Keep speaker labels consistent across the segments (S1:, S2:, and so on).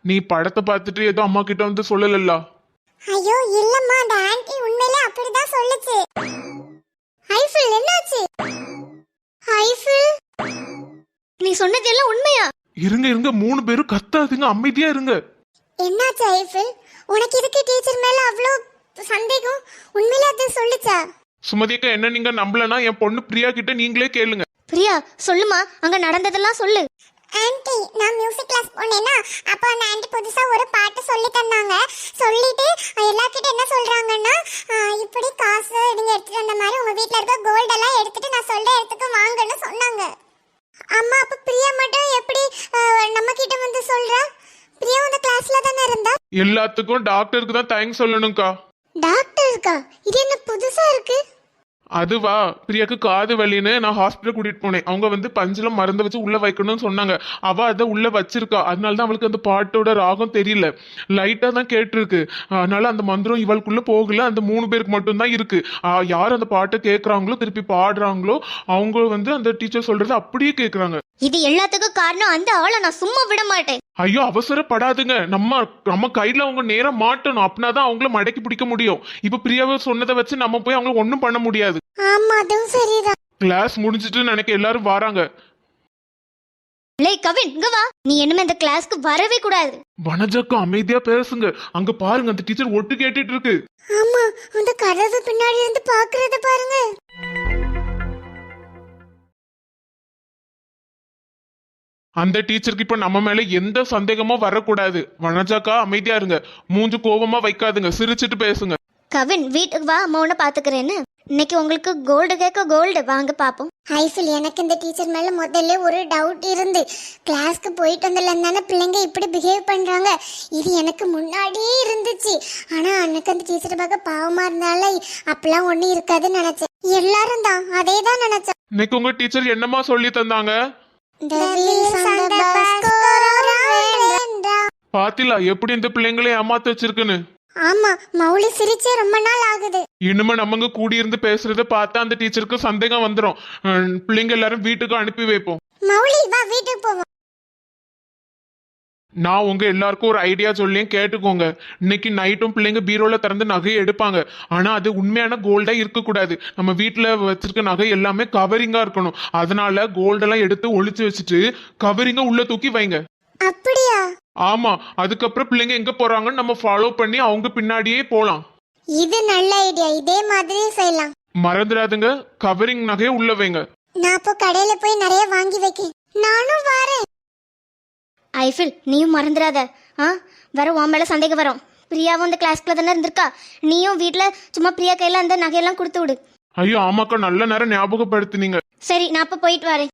S1: நீ படத்தை பார்த்துட்டு ஏதோ அம்மா கிட்ட வந்து சொல்லல.
S2: ஐயோ இல்லம்மா, அந்த ஆன்ட்டி உண்மையிலே அப்படிதான் சொல்லுச்சு. ஐஃபில் என்னாச்சு? ஐஃபில்
S3: நீ சொன்னது எல்லாம் உண்மையா?
S1: இருங்க இருங்க, 3 பேரும் கத்தாதீங்க, அமைதியா இருங்க.
S2: என்னாச்சு ஐஃபில்? உனக்கு இதுக்கு டீச்சர் மேல அவ்வளோ சந்தேகம்? உண்மையிலே அது சொல்லுச்சா?
S1: சுமதி அக்கா, என்ன நீங்க நம்பலனா என் பொண்ணு பிரியா கிட்ட நீங்களே கேளுங்க.
S3: பிரியா சொல்லுமா, அங்க நடந்ததெல்லாம் சொல்லு.
S2: ஆன்ட்டி, நான் மியூசிக் கிளாஸ் போனேன்னா அப்போ அந்த ஆன்ட்டி புதுசா ஒரு பாட்டு சொல்லி தந்தாங்க. சொல்லிட்டு எல்லார்கிட்ட என்ன சொல்றாங்கன்னா, இப்படி காசு நீங்க எடுத்துட்டு வந்த மாதிரி உங்க வீட்ல இருக்க கோல்ட் எல்லாம் எடுத்துட்டு நான் சொல்ற இடத்துக்கு வாங்கன்னு சொன்னாங்க. அம்மா, அப்ப பிரியா மட்டும் எப்படி நம்ம கிட்ட வந்து சொல்றா? பிரியா அந்த கிளாஸ்ல தானே இருந்தா.
S1: எல்லாத்துக்கும் டாக்டருக்கு தான் தேங்க்ஸ் சொல்லணும்க்கா.
S2: டாக்டருக்கா? இது என்ன புதுசா இருக்கு?
S1: அதுவா, பிரியாக்கு காது வலின்னு நான் ஹாஸ்பிட்டல் கூட்டிட்டு போனேன். அவங்க வந்து பஞ்சில மருந்து வச்சு உள்ள வைக்கணும்னு சொன்னாங்க. அவ அதை உள்ள வச்சிருக்கா. அதனாலதான் அவளுக்கு அந்த பாட்டோட ராகம் தெரியல, லைட்டா தான் கேட்டிருக்கு. அதனால அந்த மந்திரம் இவளுக்குள்ள போகல. அந்த 3 பேருக்கு மட்டும் தான் இருக்கு. யார் அந்த பாட்டை கேட்கறாங்களோ, திருப்பி பாடுறாங்களோ, அவங்க வந்து அந்த டீச்சர் சொல்றது அப்படியே கேட்கறாங்க.
S3: இது எல்லாத்துக்கும் காரணம் அந்த ஆளை நான் சும்மா விட மாட்டேன்.
S1: ஐயோ, அவசரப்படாதுங்க. நம்ம கையில அவங்க நேரம் மாட்டணும். அப்படின்னாதான் அவங்கள மடக்கி பிடிக்க முடியும். இப்ப பிரியாவை சொன்னதை வச்சு நம்ம போய் அவங்களை ஒண்ணும் பண்ண முடியாது.
S2: ஆமா, அதுவும் சரிதான்.
S1: கிளாஸ் முடிஞ்சிட்டு நினைக்க எல்லாரும் வராங்க.
S3: கவின், இங்க வா. நீ என்னமே இந்த கிளாஸ்க்கு வரவே கூடாது.
S1: வனஜாக்கா, அமைதியா பேசுங்க. அங்க பாருங்க, அந்த டீச்சர் ஒட்டு கேட்டுட்டு இருக்கு.
S2: ஆமா, அந்த கதவு பின்னாடி இருந்து பாக்குறத பாருங்க.
S1: அந்த டீச்சருக்கு இப்ப நம்ம மேல எந்த சந்தேகமும் வரக்கூடாது. வனஜாக்கா, அமைதியா இருங்க. மூஞ்சு கோபமா வைக்காதுங்க, சிரிச்சிட்டு பேசுங்க.
S3: கவின், வீட்டுக்கு வா, அம்மா உன்னை பாத்துக்கிறேன்னு. இன்னைக்கு உங்களுக்கு கோல்டு கேட்க கோல்டு வாங்க பாப்போம்.
S2: ஐஃபில், எனக்கு இந்த டீச்சர் மேல முதல்ல ஒரு டவுட் இருந்து, கிளாஸ்க்கு போயிட்டு வந்ததுல பிள்ளைங்க இப்படி பிஹேவ் பண்றாங்க, இது எனக்கு முன்னாடியே இருந்துச்சு. ஆனா அன்னைக்கு அந்த டீச்சரை பார்க்க பாவமா இருந்தால அப்பெல்லாம் ஒண்ணு இருக்காதுன்னு நினைச்சேன். எல்லாரும் தான் அதே தான் நினைச்சேன்.
S1: இன்னைக்கு உங்க டீச்சர் என்னமா சொல்லி தந்தாங்க? பாத்திலா எப்படி இந்த பிள்ளைங்களை ஏமாத்து வச்சிருக்குன்னு.
S2: ஆமா, மௌலி சிரிச்சே ரொம்ப நாள் ஆகுது.
S1: இனிமே நம்ம கூடி இருந்து பேசுறத பார்த்தா அந்த டீச்சருக்கு சந்தேகம் வந்துடும். பிள்ளைங்க எல்லாரும் வீட்டுக்கு அனுப்பி வைப்போம்.
S2: மௌலி வா, வீட்டுக்கு போவோம்.
S1: நான் உங்க எல்லாருக்கும் ஒரு ஐடியா சொல்லியும் கேட்டுக்கோங்க. இன்னைக்கு நைட்டும் பிள்ளைங்க பீரோல திறந்து நகையை எடுப்பாங்க. ஆனா அது உண்மையான கோல்டா இருக்கக்கூடாது. நம்ம வீட்டுல வச்சிருக்க நகை எல்லாமே கவரிங்கா இருக்கணும். அதனால கோல்டெல்லாம் எடுத்து ஒளிச்சு வச்சுட்டு கவரிங்க உள்ள தூக்கி வைங்க.
S2: அப்படியா?
S1: ஆமா, அதுக்கப்புறம் பிள்ளைங்க எங்க போறாங்கன்னு நம்ம ஃபாலோ பண்ணி அவங்க பின்னாடியே போலாம்.
S2: இது நல்ல ஐடியா, இதே மாதிரி செய்யலாம்.
S1: மறந்துடாதுங்க, கவரிங் நகையை உள்ள வைங்க.
S2: நான் அப்போ கடையில போய் நிறைய வாங்கி வைக்கேன். நானும் வரேன்.
S3: ஐஃபில், நீயும் மறந்துடாத. வர உன் மேல சந்தேகம் வரும். பிரியாவும் அந்த கிளாஸ்க்குள்ள தானே இருந்திருக்கா. நீயும் வீட்டுல சும்மா பிரியா கையில அந்த நகையெல்லாம் கொடுத்து விடு.
S1: ஐயோ ஆமாக்கா, நல்ல நேரம் ஞாபகப்படுத்தினீங்க.
S3: சரி, நான் அப்ப போயிட்டு வரேன்.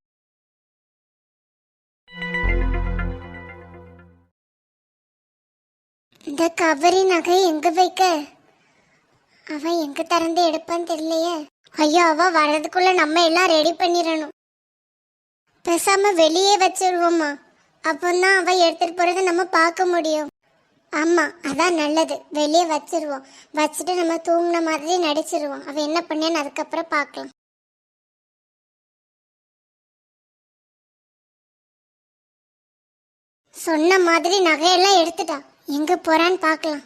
S2: இந்த கவரி நகை எங்க வைக்க? அவ எங்க திறந்து எடுப்பான்னு தெரியலையே. ஐயோ, அவ வர்றதுக்குள்ள நம்ம எல்லாம் ரெடி பண்ணிடணும். பேசாம வெளியே வச்சிருவோமா, அப்பந்தான் அவ எடுத்துட்டு போறதை நம்ம பார்க்க முடியும். ஆமா, அதான் நல்லது. வெளியே வச்சிருவோம். வச்சுட்டு நம்ம தூங்கின மாதிரி நடிச்சிருவோம். அவ என்ன பண்ணேன்னு அதுக்கப்புறம் பார்க்கலாம். சொன்ன மாதிரி நகையெல்லாம் எடுத்துட்டா. எங்க போறான்னு பார்க்கலாம்.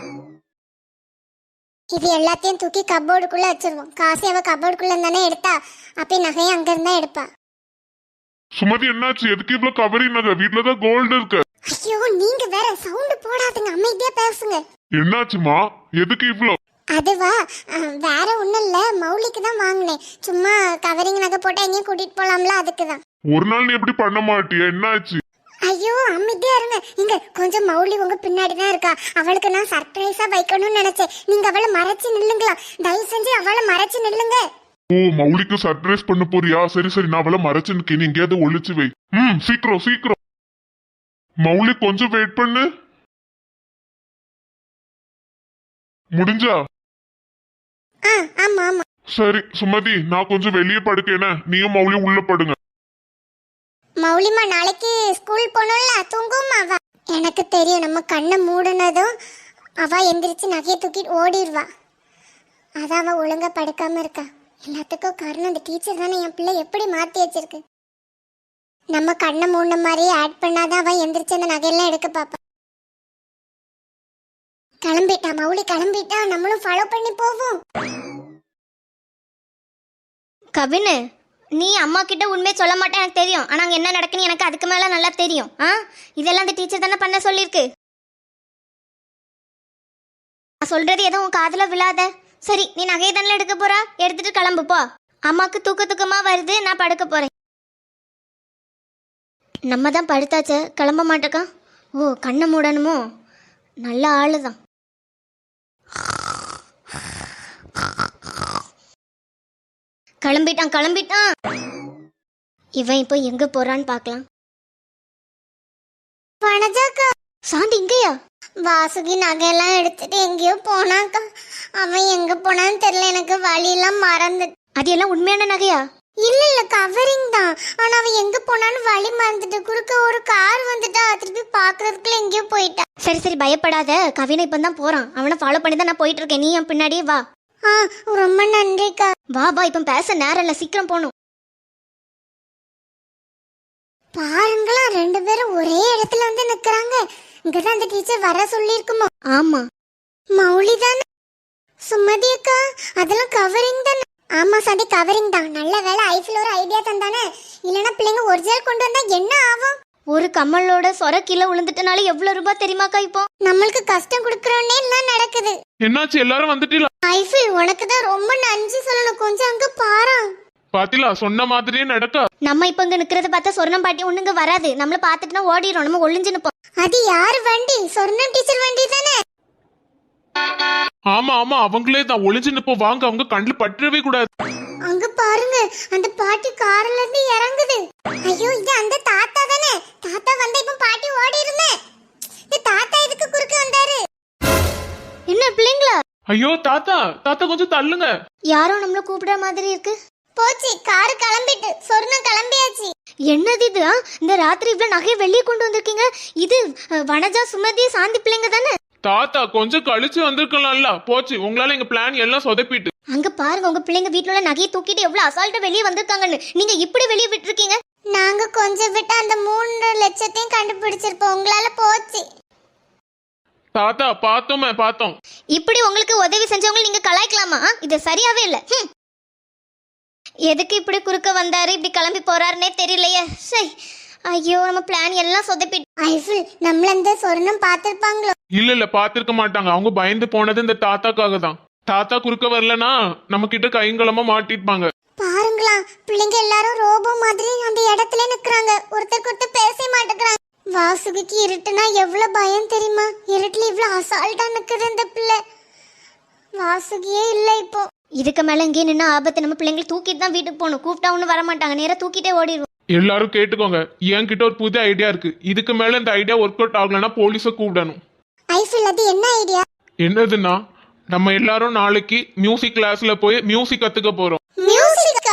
S2: இது எல்லாத்தையும் தூக்கி கபோர்டுக்குள்ள வச்சிருவோம். காசு அவ கபோர்டுக்குள்ள தானே எடுத்தா, அப்ப நகையை அங்க இருந்தா எடுப்பா.
S1: சுமதி, என்னாச்சு? எதுக்கு இவ்வளவு கவரிங் நகை? வீட்டுலதான் கோல்டு இருக்கு.
S2: ஐயோ, நீங்க வேற சவுண்ட் போடாதுங்க, அமைதியா பேசுங்க.
S1: என்னாச்சுமா? எதுக்கு இவ்வளவு?
S2: அதுவா, வேற ஒண்ணும் இல்ல, மௌலிக்கு தான் வாங்கினேன். சும்மா கவரிங் நகை போட்டா எங்கேயும் கூட்டிட்டு போலாம்ல, அதுக்குதான்.
S1: ஒரு நாள் நீ எப்படி பண்ண மாட்டியா? என்னாச்சு?
S2: ஐயோ, அமைதியா இருங்க. இங்க கொஞ்சம் மௌலி உங்க பின்னாடி தான் இருக்கா. அவளுக்கு நான் சர்ப்ரைஸா வைக்கணும்னு நினைச்சேன். நீங்க அவளை மறைச்சு நில்லுங்களா, தயவு செஞ்சு அவளை மறைச்சு நில்லுங்க.
S1: ஓ, மௌலிக்கு சர்ப்ரைஸ் பண்ண போறியா? சரி சரி, நான் அவளை மறைச்சு நிக்கேன். எங்கேயாவது ஒளிச்சு வை. சீக்கிரம் சீக்கிரம். மௌலி, கொஞ்சம் வெயிட் பண்ணு. முடிஞ்சா?
S2: ஆமா ஆமா.
S1: சரி சுமதி, நான் கொஞ்சம் வெளியே படுக்கேன, நீயும் மௌலி உள்ள படுங்க.
S2: மௌலிமா, நாளைக்கு ஸ்கூல் போனோம்ல, தூங்குமா அவ? எனக்கு தெரியும், நம்ம கண்ணை மூடுனதும் அவ எந்திரிச்சு நகையை தூக்கிட்டு ஓடிடுவா. அதான் அவ ஒழுங்கா படுக்காம இருக்கா. எல்லாத்துக்கும் காரணம் அந்த டீச்சர் தானே. என் பிள்ளை எப்படி மாத்தி வச்சிருக்கு. நம்ம கண்ணை மூடின மாதிரியே ஆட் பண்ணாதான் அவ எந்திரிச்சு அந்த நகையெல்லாம் எடுக்க பாப்பா. கிளம்பிட்டா மௌலி, கிளம்பிட்டா. நம்மளும் ஃபாலோ பண்ணி போவோம்.
S3: கவினு, நீ அம்மா கிட்ட உண்மையை சொல்ல மாட்டேன் எனக்கு தெரியும். ஆனால் அங்கே என்ன நடக்குன்னு எனக்கு அதுக்கு மேலே நல்லா தெரியும். இதெல்லாம் அந்த டீச்சர் தானே பண்ண சொல்லியிருக்கு. நான் சொல்றது எதுவும் உன் காதில் விழாத. சரி, நீ நகையை தானே எடுக்க போறா, எடுத்துட்டு கிளம்பு போ. அம்மாவுக்கு தூக்கமா வருது, நான் படுக்க போறேன். நம்ம தான் படுத்தாச்சே, கிளம்ப மாட்டேக்கா. ஓ, கண்ணை மூடணுமோ? நல்ல ஆளு தான். கிளம்பிட்டான். இவன் இப்போ எங்க போறான்னு பார்க்கலாம்.
S2: வனஜாக்கா,
S3: சாந்தி இங்கயா?
S2: வாசுகி நகையெல்லாம் எடுத்துட்டு எங்கேயோ போனாக்கா. அவன் எங்க போனான்னு தெரியல, எனக்கு வழியெல்லாம் மறந்து.
S3: அது எல்லாம் உண்மையான நகையா?
S2: இல்ல கவரிங் தான். ஆனா அவன் எங்க போனான்னு வழி மறந்துட்டு, குறுக்க ஒரு கார் வந்துட்டா, திருப்பி பாக்குறதுக்குள்ள எங்கேயோ போயிட்டா.
S3: சரி பயப்படாத, கவினை இப்போ தான் போறான். அவனை ஃபாலோ பண்ணி தான் நான் போயிட்டு இருக்கேன். நீ என் பின்னாடியே வா.
S2: ரொம்ப நன்றிக்கா.
S3: வா இப்போ பேச நேரம் இல்ல, சீக்கிரம் போகணும்.
S2: பாருங்களா, 2 பேரும் ஒரே இடத்துல வந்து நிக்கிறாங்க. இங்கதான் அந்த டீச்சர் வர சொல்லிருக்குமோ?
S3: ஆமா.
S2: மௌலி தானே? சுமதி அக்கா, அதெல்லாம் கவரிங் தானே? ஆமா சாந்தி, கவரிங் தான். நல்ல வேலை ஐஃபில் ஒரு ஐடியா தந்தானே. இல்லனா பிள்ளைங்க ஒரிஜினல் கொண்டு வந்தா என்ன ஆகும்?
S3: ஒரு கம்மலோட சொர கீழே விழுந்துட்டனால எவ்வளவு ரூபாய் தெரியுமாக்கா? இப்போ
S2: நம்மளுக்கு கஷ்டம் கொடுக்கறோன்னே எல்லாம் நடக்குது.
S1: என்னாச்சு, எல்லாரும் வந்துட்டீங்களா?
S2: ஐஃபில், உனக்கு தான் ரொம்ப நன்றி சொல்லணும். கொஞ்சம் அங்க பாரு.
S1: பாத்திலா, சொன்ன மாதிரியே நடக்க.
S3: நம்ம இப்ப இங்க நிக்கிறத பார்த்தா சொர்ணம் பாட்டி ஒண்ணுங்க வராது. நம்மள பாத்துட்டுனா ஓடிரும். நம்ம ஒளிஞ்சு நிப்போம்.
S2: அது யார் வண்டி? சொர்ணம் டீச்சர் வண்டி தானே?
S1: ஆமா அவங்களே தான். ஒளிஞ்சு நிப்போ, வாங்க. அவங்க கண்ணுல பற்றவே கூடாது.
S2: அங்க பாருங்க, அந்த பாட்டி கார்ல இருந்து இறங்குது. ஐயோ, இது அந்த தாத்தா தானே? தாத்தா வந்தா இப்ப பாட்டி ஓடிருமே. இந்த தாத்தா எதுக்கு குறுக்க வந்தாரு?
S3: என்ன பிள்ளைங்களா?
S1: ஐயோ தாத்தா கொஞ்சம் தள்ளுங்க.
S3: யாரோ நம்மள கூப்பிடுற மாதிரி இருக்கு.
S2: போச்சு, கார் கிளம்பிட்டு. சொர்ணம் கிளம்பியாச்சு.
S3: என்னது இது? இந்த ராத்திரி இவ்வளவு நகையை வெளியே கொண்டு வந்திருக்கீங்க. இது வனஜா, சுமதி, சாந்தி பிள்ளைங்க தானே?
S1: தாத்தா கொஞ்சம் கழிச்சு வந்திருக்கலாம்ல. போச்சு, உங்களால எங்க பிளான் எல்லாம் சொதப்பிட்டு.
S3: அங்க பாருங்க, உங்க பிள்ளைங்க வீட்டுல உள்ள நகையை தூக்கிட்டு எவ்வளவு அசால்ட்டா வெளியே வந்திருக்காங்கன்னு. நீங்க இப்படி வெளியே விட்டுருக்கீங்க.
S2: நாங்க கொஞ்சம் விட்டு அந்த 3 லட்சத்தையும் கண்டுபிடிச்சிருப்போம். உங்களால போச்சு.
S1: தாத்தா பார்த்தோம்.
S3: இப்படி உங்களுக்கு உதவி செஞ்சவங்க நீங்க கலாய்க்கலாமா? இது சரியாவே இல்ல. எதுக்கு இப்படி குறுக்க வந்தாரு, இப்படி கிளம்பி போறாருன்னே தெரியலையே. சரி, ஐயோ, நம்ம பிளான் எல்லாம் சொதப்பிட்டு.
S2: ஐஃபில், நம்மள இந்த சொர்ணம் பார்த்திருப்பாங்களோ?
S1: இல்ல பாத்திருக்க மாட்டாங்க. அவங்க பயந்து போனது இந்த தாத்தாக்காக தான். தாத்தா குறுக்க வரலனா நம்ம கிட்ட கைங்களமா மாட்டிருப்பாங்க.
S2: பாருங்களா, பிள்ளைங்க எல்லாரும் ரோபோ மாதிரி அந்த இடத்துல நிக்கறாங்க. ஒருத்தருக்கு ஒருத்தர் பேச மாட்டேங்கிறாங்க. வாசுகிக்கு இருட்டுனா எவ்வளவு பயம் தெரியுமா? இருட்டுல இவ்வளவு அசால்ட்டா நிக்குது இந்த பிள்ளை. வாசுகியே இல்ல இப்போ.
S3: இதுக்கு மேல இங்கே நின்று ஆபத்து. நம்ம பிள்ளைங்களை தூக்கிட்டு தான் வீட்டுக்கு போகணும். கூப்பிட்டா ஒன்றும் வர மாட்டாங்க, நேரா தூக்கிட்டே ஓடிடுவோம்.
S1: எல்லாரும் கேட்டுக்கோங்க, என்கிட்ட ஒரு புது ஐடியா இருக்கு. இதுக்கு மேல இந்த ஐடியா ஒர்க் அவுட் ஆகலன்னா போலீஸை கூப்பிடணும்.
S2: ஐஃபில், அது என்ன ஐடியா?
S1: என்னதுன்னா, நம்ம எல்லாரும் நாளைக்கு மியூசிக் கிளாஸ்ல போய் மியூசிக் கத்துக்க போறோம்.
S2: மியூசிக்.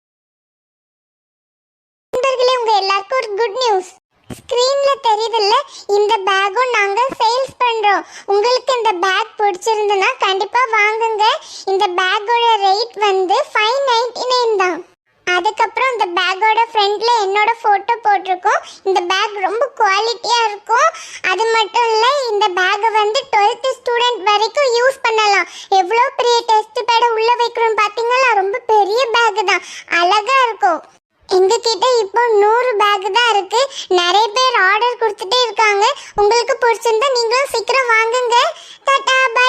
S2: நண்பர்களே, உங்க எல்லாருக்கும் ஒரு குட் நியூஸ். ஸ்கிரீன்ல தெரியுதுல்ல, இந்த பேக்கும் நாங்க சேல்ஸ் பண்றோம். உங்களுக்கு இந்த பேக் பிடிச்சிருந்தனா கண்டிப்பா வாங்குங்க. இந்த பேக்கோட ரேட் வந்து 599 தான். அதுக்கப்புறம் இந்த பேக்கோட ஃப்ரண்ட்ல என்னோட போட்டோ போட்டிருக்கோம். இந்த பேக் ரொம்ப குவாலிட்டியா இருக்கும். அது மட்டும் இல்ல, இந்த பேக்கை வந்து 12th ஸ்டூடெண்ட் வரைக்கும் யூஸ் பண்ணலாம். எவ்வளோ பெரிய டெஸ்ட் பேட உள்ள வைக்கிறோம் பாத்தீங்களா? ரொம்ப பெரிய பேக் தான், அழகா இருக்கும். எங்க கிட்ட இப்போ 100 பேக் தான் இருக்கு. நிறைய பேர் ஆர்டர் கொடுத்துட்டே இருக்காங்க. உங்களுக்கு பிடிச்சிருந்தா நீங்களும் சீக்கிரம் வாங்குங்க. டாடா.